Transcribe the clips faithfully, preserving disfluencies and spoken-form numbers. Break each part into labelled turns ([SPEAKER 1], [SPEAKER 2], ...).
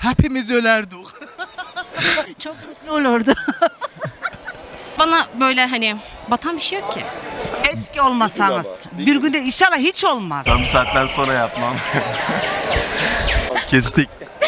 [SPEAKER 1] Hepimiz ölerdik.
[SPEAKER 2] Çok mutlu olurdu.
[SPEAKER 3] Bana böyle hani batan bir şey yok ki.
[SPEAKER 2] Keşke olmasanız. Bir günde inşallah hiç olmaz.
[SPEAKER 4] Tam saatten sonra yapmam. Kestik.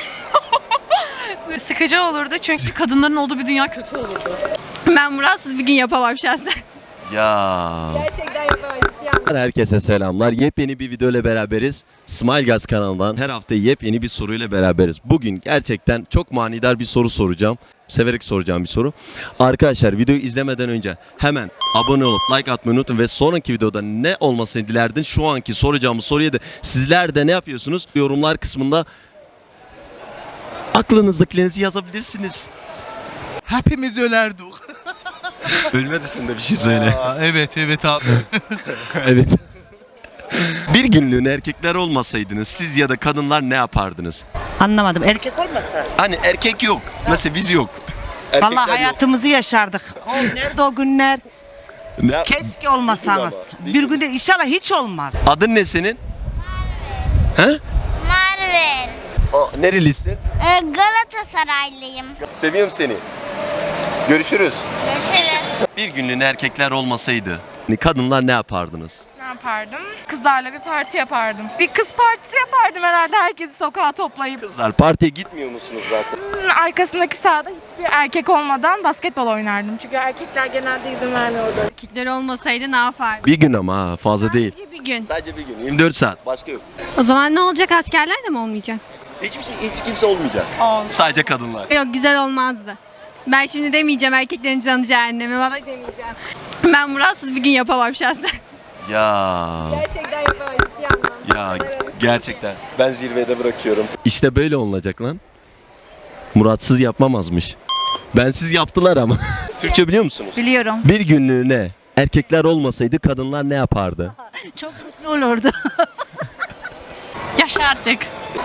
[SPEAKER 3] Sıkıcı olurdu çünkü kadınların olduğu bir dünya kötü olurdu. Ben muratsız bir gün yapamam şahsen.
[SPEAKER 4] Ya.
[SPEAKER 3] Gerçekten yapamayız.
[SPEAKER 4] Herkese selamlar. Yepyeni bir video ile beraberiz. Smile Gaz kanalından her hafta yepyeni bir soruyla beraberiz. Bugün gerçekten çok manidar bir soru soracağım. Severek soracağım bir soru. Arkadaşlar videoyu izlemeden önce hemen abone olup like atmayı unutun ve sonraki videoda ne olmasını dilerdin? Şu anki soracağımız soruya da sizler de ne yapıyorsunuz? Yorumlar kısmında aklınızdakilerinizi yazabilirsiniz.
[SPEAKER 1] Hepimiz ölerdik.
[SPEAKER 4] Ölme dışında bir şey söyle.
[SPEAKER 1] Aa, evet evet abi.
[SPEAKER 4] Evet. Bir günlüğüne erkekler olmasaydınız siz ya da kadınlar ne yapardınız?
[SPEAKER 2] Anlamadım. Erkek olmasa.
[SPEAKER 4] Hani erkek yok. Mesela biz yok. Erkekler
[SPEAKER 2] Vallahi
[SPEAKER 4] yok.
[SPEAKER 2] hayatımızı yaşardık. O nerede o günler?
[SPEAKER 4] Ne-
[SPEAKER 2] Keşke olmasanız.
[SPEAKER 4] Ama,
[SPEAKER 2] Bir günde inşallah hiç olmaz.
[SPEAKER 4] Adın ne senin? He?
[SPEAKER 5] Marvel.
[SPEAKER 4] O, nerelisin?
[SPEAKER 5] Ee, Galatasaraylıyım.
[SPEAKER 4] Seviyorum seni. Görüşürüz.
[SPEAKER 5] Görüşürüz.
[SPEAKER 4] Bir günlüğüne erkekler olmasaydı kadınlar ne yapardınız?
[SPEAKER 3] Ne yapardım? Kızlarla bir parti yapardım. Bir kız partisi yapardım herhalde, herkesi sokağa toplayıp.
[SPEAKER 4] Kızlar partiye gitmiyor musunuz zaten?
[SPEAKER 3] Arkasındaki sahada hiçbir erkek olmadan basketbol oynardım. Çünkü erkekler genelde izin vermiyordu. Erkekler olmasaydı ne yapardım?
[SPEAKER 4] Bir gün ama ha, fazla değil.
[SPEAKER 3] Bir gün.
[SPEAKER 4] Sadece bir gün. yirmi dört saat. Başka yok.
[SPEAKER 3] O zaman ne olacak, askerler de mi olmayacak?
[SPEAKER 4] Hiçbir şey, hiç kimse olmayacak. Sadece kadınlar.
[SPEAKER 3] Yok, güzel olmazdı. Ben şimdi demeyeceğim erkeklerin canı cehennemi, vallahi demeyeceğim. Ben muratsız bir gün yapamam şahsen.
[SPEAKER 4] Ya.
[SPEAKER 3] Gerçekten yapamayız
[SPEAKER 4] Ya gerçekten. Ben zirvede bırakıyorum. İşte böyle olacak lan. Muratsız yapmamazmış. Bensiz yaptılar ama. Türkçe biliyor musunuz?
[SPEAKER 2] Biliyorum.
[SPEAKER 4] Bir günlüğüne erkekler olmasaydı kadınlar ne yapardı?
[SPEAKER 2] Çok mutlu olurdu.
[SPEAKER 3] Yaşardık.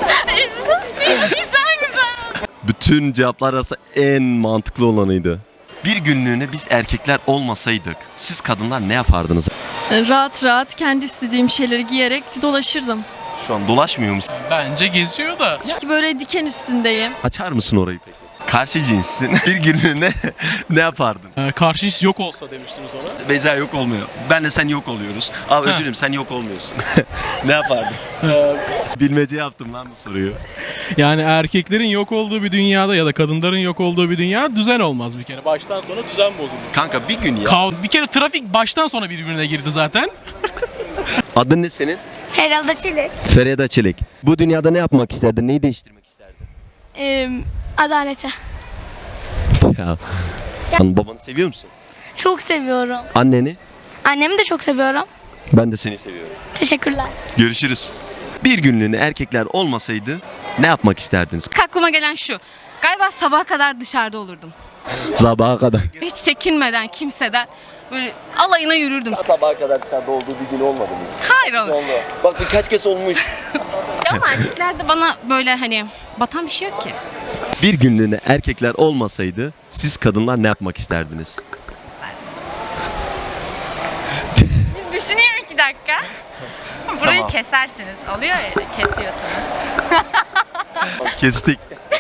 [SPEAKER 3] güzel güzel.
[SPEAKER 4] Bütün cevaplar arasında en mantıklı olanıydı. Bir günlüğüne biz erkekler olmasaydık siz kadınlar ne yapardınız?
[SPEAKER 6] Rahat rahat kendi istediğim şeyleri giyerek dolaşırdım.
[SPEAKER 4] Şu an dolaşmıyor musun?
[SPEAKER 7] Bence geziyor da.
[SPEAKER 6] Ki böyle diken üstündeyim.
[SPEAKER 4] Açar mısın orayı peki? Karşı cinssin. Bir günlüğüne ne yapardın?
[SPEAKER 7] Ee, karşı cins yok olsa demiştiniz ona.
[SPEAKER 4] Beyza yok olmuyor. Benle sen yok oluyoruz. Abi özür dilerim sen yok olmuyorsun. Ne yapardın?
[SPEAKER 7] Ee,
[SPEAKER 4] Bilmece yaptım lan bu soruyu.
[SPEAKER 7] yani erkeklerin yok olduğu bir dünyada ya da kadınların yok olduğu bir dünya düzen olmaz bir kere. Baştan sona düzen bozulur.
[SPEAKER 4] Kanka bir gün ya.
[SPEAKER 7] Kav- bir kere trafik baştan sona birbirine girdi zaten.
[SPEAKER 4] Adın ne senin?
[SPEAKER 5] Herhalde Çelik.
[SPEAKER 4] Feride Çelik. Bu dünyada ne yapmak isterdin? Neyi değiştirmek isterdin?
[SPEAKER 5] Ee, adalete.
[SPEAKER 4] Ya. Lan babanı seviyor musun?
[SPEAKER 5] Çok seviyorum.
[SPEAKER 4] Anneni?
[SPEAKER 5] Annemi de çok seviyorum.
[SPEAKER 4] Ben de seni seviyorum.
[SPEAKER 5] Teşekkürler.
[SPEAKER 4] Görüşürüz. Bir günlüğüne erkekler olmasaydı ne yapmak isterdiniz?
[SPEAKER 3] Aklıma gelen şu. Galiba sabaha kadar dışarıda olurdum.
[SPEAKER 4] Sabaha kadar.
[SPEAKER 3] Hiç çekinmeden kimseden böyle alayına yürürdüm.
[SPEAKER 4] Sabaha kadar dışarıda olduğu bir gün olmadı mı?
[SPEAKER 3] Hayır oğlum.
[SPEAKER 4] Bak birkaç kez olmuş.
[SPEAKER 3] Ya ama erkeklerde bana böyle hani batan bir şey yok ki.
[SPEAKER 4] Bir günlüğüne erkekler olmasaydı siz kadınlar ne yapmak isterdiniz?
[SPEAKER 3] Düşüneyim iki dakika. Burayı
[SPEAKER 4] Tamam.
[SPEAKER 3] kesersiniz. Oluyor ya, kesiyorsunuz.
[SPEAKER 4] Kestik.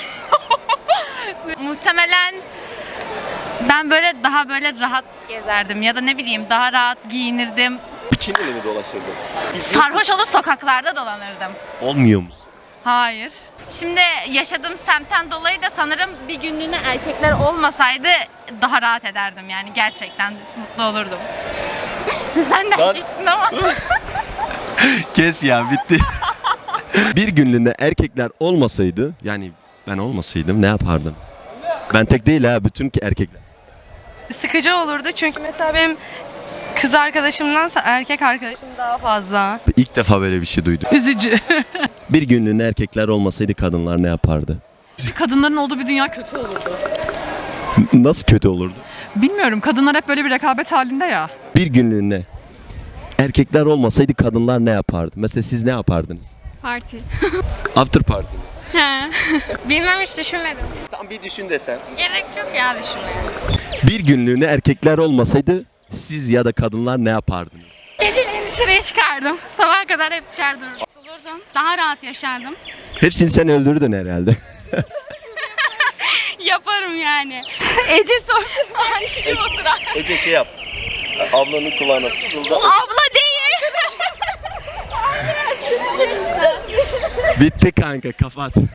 [SPEAKER 3] Muhtemelen ben böyle daha böyle rahat gezerdim ya da ne bileyim daha rahat giyinirdim.
[SPEAKER 4] Bikiniyle mi dolaşırdın?
[SPEAKER 3] Sarhoş olup sokaklarda dolanırdım.
[SPEAKER 4] Olmuyor musun?
[SPEAKER 3] Hayır. Şimdi yaşadığım semtten dolayı da sanırım bir günlüğüne erkekler olmasaydı daha rahat ederdim, yani gerçekten mutlu olurdum. Sen de
[SPEAKER 4] Lan-
[SPEAKER 3] erkeksin ama.
[SPEAKER 4] Kes ya bitti. Bir günlüğüne erkekler olmasaydı yani ben olmasaydım ne yapardınız? Ben tek değil ha bütün ki erkekler.
[SPEAKER 3] Sıkıcı olurdu çünkü mesela benim kız arkadaşımdansa erkek arkadaşım daha fazla.
[SPEAKER 4] İlk defa böyle bir şey duydum.
[SPEAKER 3] Üzücü.
[SPEAKER 4] Bir günlüğüne erkekler olmasaydı kadınlar ne yapardı?
[SPEAKER 6] Kadınların olduğu bir dünya kötü olurdu.
[SPEAKER 4] Nasıl kötü olurdu?
[SPEAKER 6] Bilmiyorum, kadınlar hep böyle bir rekabet halinde ya.
[SPEAKER 4] Bir günlüğüne erkekler olmasaydı kadınlar ne yapardı? Mesela siz ne yapardınız?
[SPEAKER 5] Parti.
[SPEAKER 4] After party mi?
[SPEAKER 5] He. Bilmem, hiç düşünmedim.
[SPEAKER 4] Tam bir düşün desen.
[SPEAKER 5] Gerek yok ya düşünmeye.
[SPEAKER 4] Bir günlüğüne erkekler olmasaydı siz ya da kadınlar ne yapardınız?
[SPEAKER 5] Geceleyin dışarıya çıkardım. Sabaha kadar hep dışarıda olurdum. Daha rahat yaşardım.
[SPEAKER 4] Hepsini sen öldürdün herhalde.
[SPEAKER 8] Yaparım yani. Ece sorsun aynı şey o sıra.
[SPEAKER 4] Ece şey yap. Ablanın kulağına fısılda.
[SPEAKER 8] Abla değil.
[SPEAKER 4] Bitti kanka, kapat.